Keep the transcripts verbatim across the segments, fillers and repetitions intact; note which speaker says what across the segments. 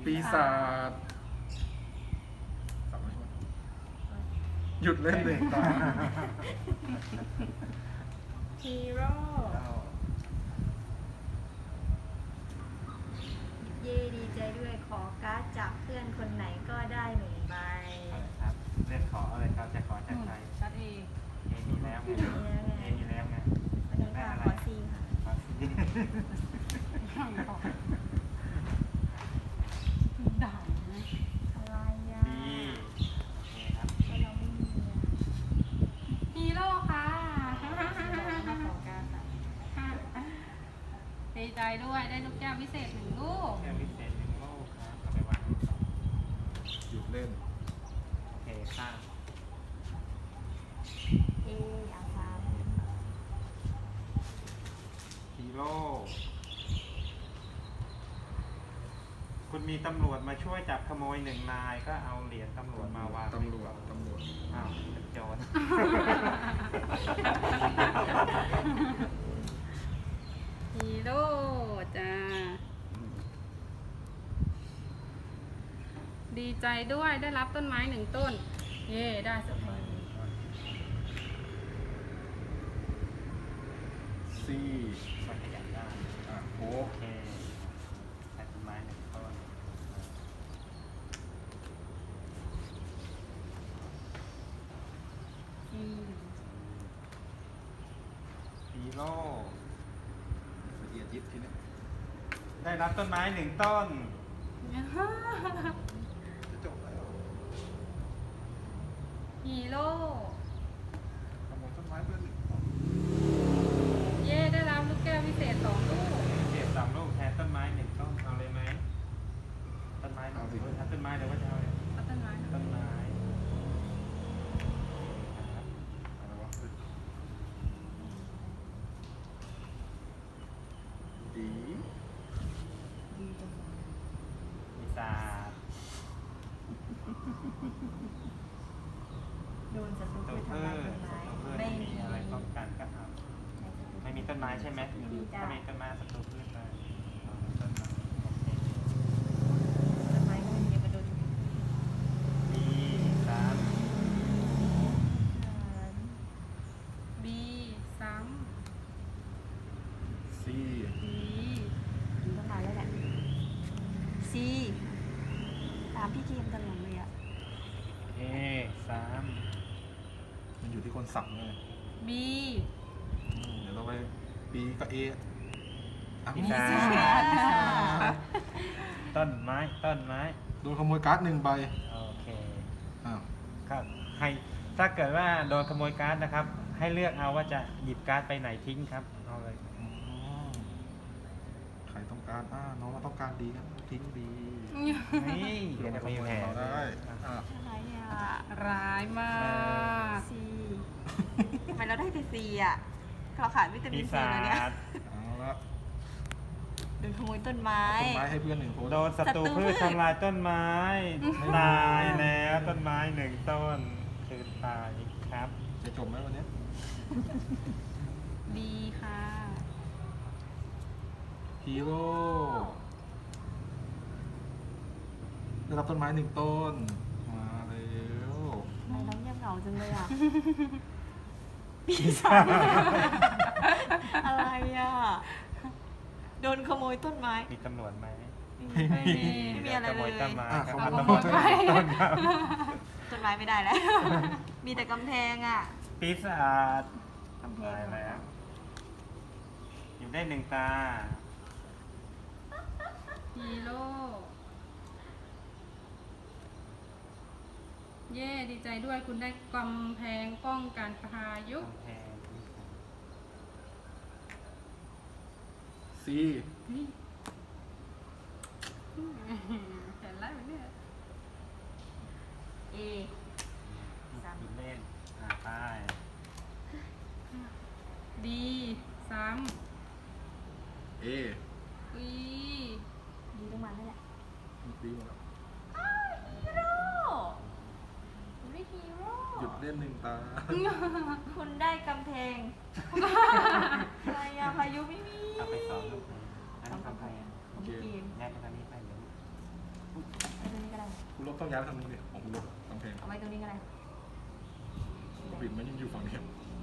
Speaker 1: ปีศาจสับไม่ชนหยุดเล่นเลยตา
Speaker 2: ฮีโร่ เย่ดีใจด้วยขอการ์ดจากเพื่อนคนไหนก็ได้หนึ่งใบ
Speaker 3: อะไรครับเลือกขออะไรครับจะขอจากใคร
Speaker 4: ชัดเอง
Speaker 3: เอมีแล้วไงเอมีแล้วไง
Speaker 2: วันนี้ค่ะขอซีค่ะ
Speaker 3: ขอสิ
Speaker 4: ด่านะ
Speaker 2: อะไรอ่ะ
Speaker 3: ดีโอเคครับ
Speaker 2: ก็เราไม่มีอ่ะ
Speaker 4: ฮีโร่ค่ะ
Speaker 2: มาขอการ์ดค่ะ
Speaker 4: ดีใจด้วยได้ลูกแก้วพิเศษหนึ่งลูก
Speaker 3: แก้วพิเศษหนึ่งลูกครับเอาไปวาง
Speaker 1: หยุดเล่น
Speaker 3: โอเคค่ะ
Speaker 2: เอเอาสาม
Speaker 3: ฮีโร่คุณมีตำรวจมาช่วยจับขโมยหนึ่งนายก็เอาเหรียญตำรวจมาวาง
Speaker 1: ตำรวจตำรวจ
Speaker 3: อ้าวเป็นโจร
Speaker 4: ฮีโร่จ้าดีใจด้วยได้รับต้นไม้หนึ่งต้น เย่ได้สุดท้าย
Speaker 1: ซี่
Speaker 3: มันขยับได้
Speaker 1: อ่ะโค
Speaker 3: โอก เคใส่ต้นไม้หนึ่งต้น
Speaker 4: อืม
Speaker 3: ฮีโร่
Speaker 1: ละเอียดยิบทีนี้
Speaker 3: ได้รับต้นไม้หนึ่งต้น
Speaker 1: จะจบแล้ว
Speaker 4: ฮีโร่
Speaker 1: ขโมยต้นไม้เพื่อนหนึ่ง
Speaker 4: เย่ได้รับลูกแก้วพิเศษสองลูก
Speaker 3: เก็บสามลูกแทนต้นไม้หนึ่งต้นเอาเลยไหมต้นไม้เอาสิเอาต้นไม้เดี๋ยวว่าจะเอาเลย
Speaker 4: เอาต้นไม้นะ
Speaker 3: ต้นไม้ครับ
Speaker 1: อะไรวะดี
Speaker 2: ดีจังเลย
Speaker 3: ปีศาจ
Speaker 2: โดนศัตรู
Speaker 3: ตัว
Speaker 2: ทำ
Speaker 3: พื
Speaker 2: ลาย
Speaker 3: ช
Speaker 2: ต้นไม้
Speaker 3: ตัวพืช
Speaker 2: ไม่
Speaker 3: ไม่
Speaker 2: มี
Speaker 3: มีอะไรป้องกันก็เอาไม่มีต้นไม้ใช่ไหม
Speaker 2: มีจ้ะ
Speaker 3: ถ้ามีต้นไม้ศัตรูพืชเลยเอาต้นไม้โอเค
Speaker 2: ต้นไม้ก็ไม่มีกระโดด
Speaker 3: มีสาม
Speaker 4: บีซ้
Speaker 1: ซี่
Speaker 4: ำบี
Speaker 2: ดีต้องมาแล้วแหละซีตามพี่เกมตลอดเลยอ่ะ
Speaker 3: เอสาม
Speaker 1: มันอยู่ที่คนสั่งเลย
Speaker 4: บี
Speaker 1: อืมเดี๋ยวเราไปปีกับเออ่ะ
Speaker 3: ปี
Speaker 1: มี
Speaker 3: ศาจต้นไม้ต้นไม้
Speaker 1: โดนขโมยการ์ดหนึ่งใบ
Speaker 3: โอเค
Speaker 1: อ้าว
Speaker 3: ครับให้ถ้าเกิดว่าโดนขโมยการ์ดนะครับ ให้เลือกเอาว่าจะหยิบการ์ดไปไหนทิ้งครับเอาเลย
Speaker 1: อ๋อใครต้องการอ่าน้องมาต้องการดีครับทิ้งดี
Speaker 3: นี่
Speaker 1: เดี๋
Speaker 3: เดี๋
Speaker 1: ย
Speaker 3: ยว ว
Speaker 1: มา
Speaker 3: จะ
Speaker 1: ข
Speaker 3: มี
Speaker 1: โมย
Speaker 3: แผล
Speaker 1: เราได้อ่ะ
Speaker 2: อะไรอ่ะ
Speaker 4: ร้ายมาก
Speaker 2: ซีทำไมเราได้แต่ซีอ่ะเราขาดวิตามิ
Speaker 3: ปี
Speaker 2: นซี
Speaker 3: ศา
Speaker 2: แล้วเนี่ย
Speaker 3: จ
Speaker 1: เอาละ
Speaker 2: โดนขโมยต้นไม้
Speaker 1: ต้นไม้ให้เพื่อนหนึ่งคน
Speaker 3: โดนศัตรูพืชทำลายต้นไม้ตายแล้วต้นไม้หนึ่งต้นคืนตายครับ
Speaker 1: จะจบไหมวันนี้
Speaker 4: บีค่ะ
Speaker 1: ฮีโร่ได้รับต้นไม้หนึ่งต้น มาเร็ว
Speaker 2: ทำไมน้องเงียบเหงาจังเลยอ่ะ
Speaker 3: ปีศาจ
Speaker 2: อะไรอ่ะ โดนขโมยต้นไม้
Speaker 3: มีตำรวจไหม
Speaker 2: ไม่มีไม่มีอะไร
Speaker 3: ขโม
Speaker 2: เลย ย
Speaker 3: ต้นไม้
Speaker 1: อ่ะ
Speaker 3: ครับ
Speaker 1: ข
Speaker 3: เอา
Speaker 1: โม
Speaker 3: ตำ
Speaker 1: ย
Speaker 3: รวจ
Speaker 1: ต้นไม้
Speaker 3: ต้นครับ
Speaker 2: ต้นไม้ไม่ได้แล้ว มีแต่กำแพงอ่ะ
Speaker 3: ปีศาจ
Speaker 2: กำแพง
Speaker 3: ตายแล้วอยู่ได้หนึ่งตา
Speaker 4: ฮีโร่เย่ดีใจด้วยคุณได้กำแพงป้องกันพายุ
Speaker 3: กำแพง
Speaker 1: ซี
Speaker 4: นี่เห็นแล้วเนี่ย
Speaker 2: เอ สาม
Speaker 3: หยุดเล่นอ่าไป
Speaker 4: ดีซ้
Speaker 1: เอ
Speaker 4: ำอี
Speaker 2: ดีต้องมาแล้วแหละ
Speaker 1: ดีหมดแล้ว
Speaker 2: ฮีโร่คุณได้ฮีโร่
Speaker 1: หยุดเล่นหนึ่งตา
Speaker 2: คุณได้กำแพง อะไรอะพายุไม่มี
Speaker 3: เอาไปสองลูกเลยอัน
Speaker 2: ต้อ
Speaker 3: นี้
Speaker 2: งกำ
Speaker 3: กำ
Speaker 2: แพ
Speaker 3: แพ
Speaker 2: ง
Speaker 3: ง
Speaker 2: ของพี่เกม
Speaker 3: แยกกันทางนี้ไปเดี๋ยวอุ๊ย
Speaker 1: คุณลบต้องย้ายไปทางนู้นดิของคุณลบกำแพง
Speaker 2: เอาไว้ตรงนี้ก็ได้
Speaker 1: บิดมันยังอยู่ฝั่งนี้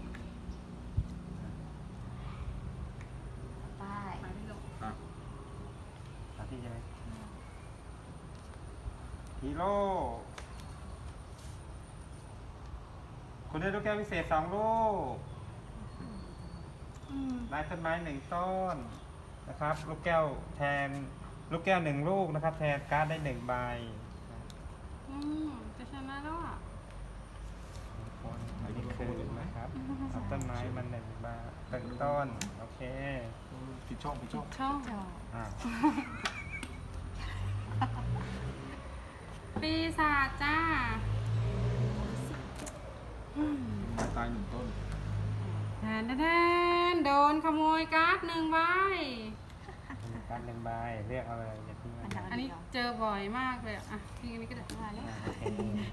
Speaker 2: ไป
Speaker 4: ไปไม่ลง
Speaker 1: อ่ะ
Speaker 3: สามที่ใช่ไหมฮีโร่คุณได้ลูกแก้วพิเศษสองลูก
Speaker 2: อืม
Speaker 3: ได้ต้นไม้หนึ่งต้นนะครับ ลูกแก้วแทนลูกแก้วหนึ่งลูกนะครับ แทนการ์ดได้หนึ่งใบ
Speaker 4: อืมจะชนะแล้วอ่ะ
Speaker 3: อันนี้คือนะครับเอาต้นไม้มันหนึ่งใบหนึ่งต้นโอเค
Speaker 1: เออผิดช่องผิดช่อง
Speaker 4: ช่อง
Speaker 2: จอ
Speaker 3: อ่า
Speaker 4: ปีศาจจ้า
Speaker 2: อืม
Speaker 1: ไม้ตายหนึ่งต้น
Speaker 4: แทนแทนโดนขโมยการ์ดหนึ่งใบ
Speaker 3: มีการดหนึ่งใบเรียกเอาเลยอย่าทิ้งไว้นะ
Speaker 4: อันนี้เจอบ่อยมากเลยอะอ่ะทีนี้ก็ได้
Speaker 2: มาแล้ว
Speaker 3: อ่าโอเค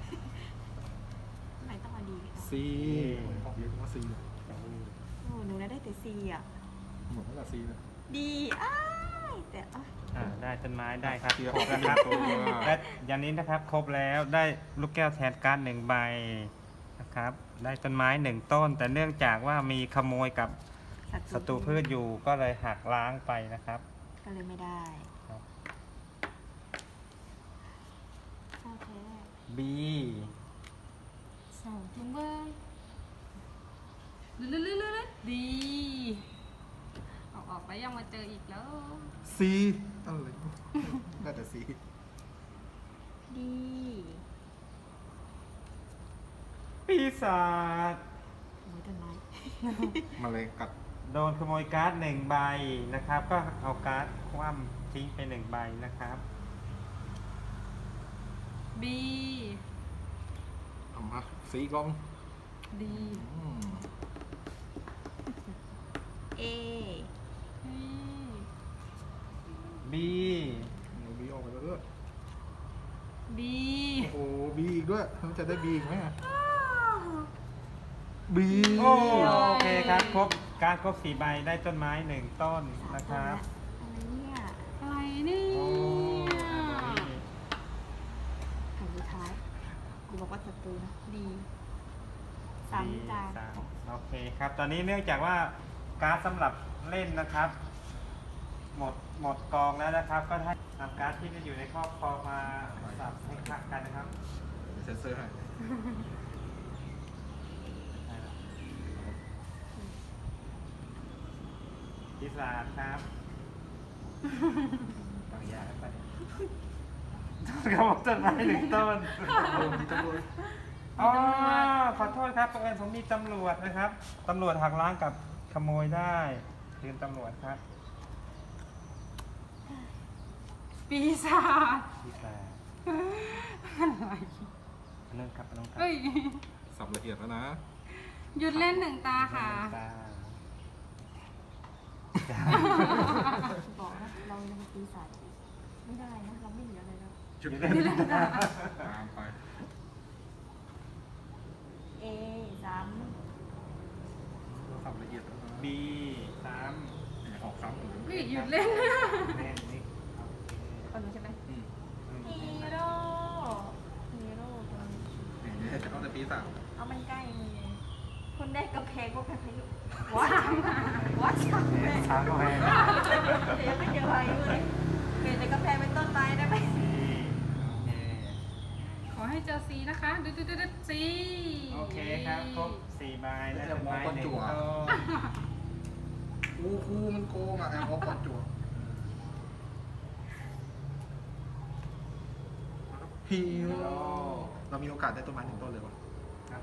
Speaker 2: ทำไมต้องมาดีกัน
Speaker 1: ซีออกเรียกว่าซี
Speaker 2: โอ้หนูน่าได้แต่ซีอ่ะ
Speaker 1: หมดตั้งแต่ซีเลย
Speaker 2: ดีอ้ายแต่อ้าย
Speaker 3: อ่าได้ต้นไม้ได้ครับ
Speaker 1: เดี๋ยว
Speaker 3: ครบแล้วครับ
Speaker 1: ตัว
Speaker 3: และอย่างนี้นะครับครบแล้วได้ลูกแก้วแทนการ์ดหนึ่งใบนะครับ ได้ต้นไม้หนึ่งต้น แต่เนื่องจากว่ามีขโมยกับศัตรูพืชอยู่ก็เลยหักล้างไปนะครับ
Speaker 2: ก็เลยไม่ได้
Speaker 3: ครับ
Speaker 2: โอเค
Speaker 3: B
Speaker 4: สองถุงเบอร์ลื่นๆๆๆดีออกออกไปยังมาเจออีกแล้ว
Speaker 1: ซีอะไรน่าจะซี
Speaker 2: ดี
Speaker 3: ปีศาจ
Speaker 2: โอ้ยต้นไม้
Speaker 1: มาเลยกัด
Speaker 3: โดนขโมยการ์ดหนึ่งใบนะครับ ก็เอาการ์ดคว่ำทิ้งไปหนึ่งใบนะครับ
Speaker 4: บี
Speaker 1: เอามาซีกล้อง
Speaker 4: ดี
Speaker 1: อืม
Speaker 2: เอ
Speaker 4: นี่
Speaker 3: B
Speaker 1: เอาบีออกไปแล้วด้วย
Speaker 4: บี
Speaker 1: โอ้โหบีอีกด้วยมันจะได้บีอีกไหมบี
Speaker 3: โอเคครับครบการดครบสี่ใบได้ต้นไม้หนึ่งต้นนะครับ
Speaker 2: อะไรเนี่ย
Speaker 4: อะไรนี่
Speaker 3: โอ้
Speaker 2: แผ่นสุดท้ายกูบอกว่าศัตรูนะดีสามจาน
Speaker 3: สามโอเคครับ ตอนนี้เนื่องจากว่าการ์ดสำหรับเล่นนะครับ หมดหมดกองแล้วนะครับ ก็ให้นำการ์ดที่จะอยู่ในครอบครองมาสับให้คลักกันนะครับ
Speaker 1: เซ็นเซอร์ให้
Speaker 3: พิศาจครับบางอย่างไปกระบอกต้นไม้หนึ่งต้น
Speaker 1: โอ้มีตำรวจ
Speaker 3: อ๋อขอโทษครับเพื่อนผมมีตำรวจนะครับตำรวจหักล้างกับขโมยได้คืนตำรวจครับ
Speaker 4: ปีศาจ
Speaker 3: พิศาจ
Speaker 4: อะไร
Speaker 3: อันนั้นครับอันนั้นครับ
Speaker 4: เฮ้ย
Speaker 1: สับละเอียดแล้วนะ
Speaker 4: หยุดเล่นหนึ่งตาค่ะ
Speaker 3: ตา
Speaker 2: บอกนะเรายังตีสายไม่ได้นะเราไม่เหลืออะไรแล้ว
Speaker 1: จุด
Speaker 3: อยู่
Speaker 1: เล่
Speaker 3: ได้
Speaker 1: นตามไป
Speaker 2: เอสาม
Speaker 1: สับละเอียดแล้วนะ
Speaker 3: บีสาม
Speaker 1: เนี่ยออกซ้ำหมดเลย
Speaker 4: เฮ้ยหยุดเล่น
Speaker 3: แน่นนี่โอเค
Speaker 2: คนนู้นใช่ไหม
Speaker 1: อืม
Speaker 2: ฮีโร่ฮีโร่ตัวนี้
Speaker 1: เนี่ยจะเอาแต่ปีศาจ
Speaker 2: เอามันใกล้มือคุณได้กระเพงพวกกระเพงวัดวัดสามเลย
Speaker 3: สามก็ให้
Speaker 2: เดี๋ยวไม่เจออะไรเลยเปลี่ยนจากกระเพงเป็นต้นไม้ได้ไหม
Speaker 3: สี่โอเค
Speaker 4: ขอให้เจอซีนะคะดูดูดูดูซี
Speaker 3: โอเคครับครบสี่ใบได้ต้นไม้หนึ่งต้น
Speaker 1: ครูครูมันโกงอ่ะแอบเอาก่อนจั่วฮีโร่เรามีโอกาสได้ต้นไม้หนึ่งต้นเลยวะ
Speaker 3: ครับ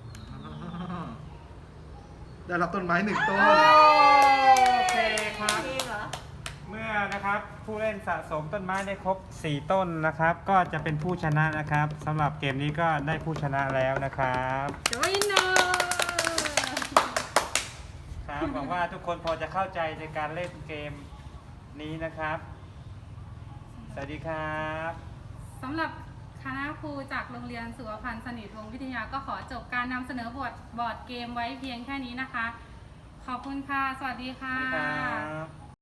Speaker 1: ได้รับต้นไม้หนึ่งต้น
Speaker 3: โอเคครับ
Speaker 2: เองเหรอ
Speaker 3: เมื่อนะครับผู้เล่นสะสมต้นไม้ได้ครบสี่ต้นนะครับ ก็จะเป็นผู้ชนะนะครับสำหรับเกมนี้ก็ได้ผู้ชนะแล้วนะครับ
Speaker 4: เดี๋ยวอินเนอร์
Speaker 3: ครับหวังว่าทุกคนพอจะเข้าใจในการเล่นเกมนี้นะครับ สวัสดีครับ
Speaker 4: สำหรับคณะครูจากโรงเรียนสุวพันธ์สนิทวงศ์วิทยาก็ขอจบการนำเสนอบทบอร์ดเกมไว้เพียงแค่นี้นะคะ ขอบคุณค่ะ สวัสดีค่ะ
Speaker 3: สวัสดีครับ